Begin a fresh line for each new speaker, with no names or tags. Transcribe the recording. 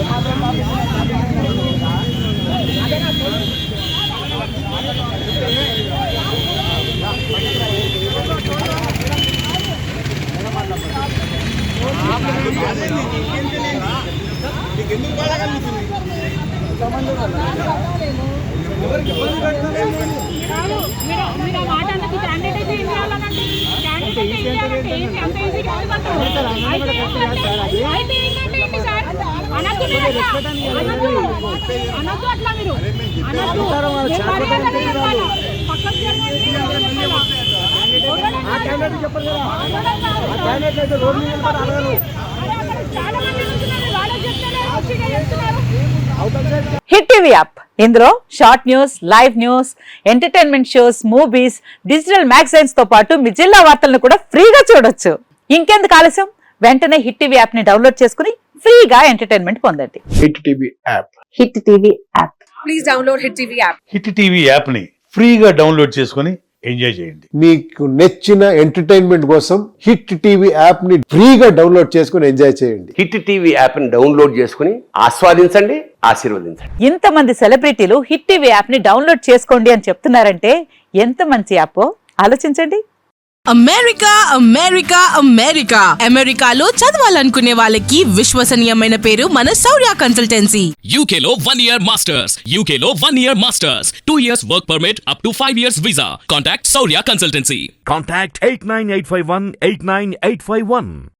Hit TV app ఇందులో short news, live news, entertainment shows, movies, digital magazines తో పాటు మీ జిల్లా వార్తలను కూడా ఫ్రీగా చూడొచ్చు. ఇంకెందుకు ఆలస్యం, వెంటనే హిట్ టీవీ యాప్ ని డౌన్లోడ్ చేసుకుని ఫ్రీగా ఎంటర్టైన్మెంట్ పొందండి.
Hit TV app.
Hit TV app. Please download hit TV app.
Hit TV app ని ఫ్రీగా డౌన్లోడ్ చేసుకుని ఎంజాయ్ చేయండి.
మీకు నచ్చిన ఎంటర్టైన్మెంట్ కోసం హిట్ టీవీ యాప్ ని ఫ్రీగా డౌన్లోడ్ చేసుకుని ఎంజాయ్ చేయండి.
హిట్ టీవీ యాప్ ని డౌన్లోడ్ చేసుకుని ఆస్వాదించండి, ఆశీర్వదించండి.
ఇంతమంది సెలబ్రిటీలు హిట్ టీవీ యాప్ ని డౌన్లోడ్ చేసుకోండి అని చెప్తున్నారంటే ఎంత మంచి యాప్ ఆలోచించండి.
అమెరికా అమెరికా అమెరికా అమెరికాలో చదవాలనుకునే వాళ్ళకి విశ్వసనీయమైన పేరు మన శౌర్య కన్సల్టెన్సీ.
UK లో 1 year masters, UK లో 1 year masters, 2 years work permit up to 5 years visa. Contact Shaurya Consultancy.
Contact 89851 89851.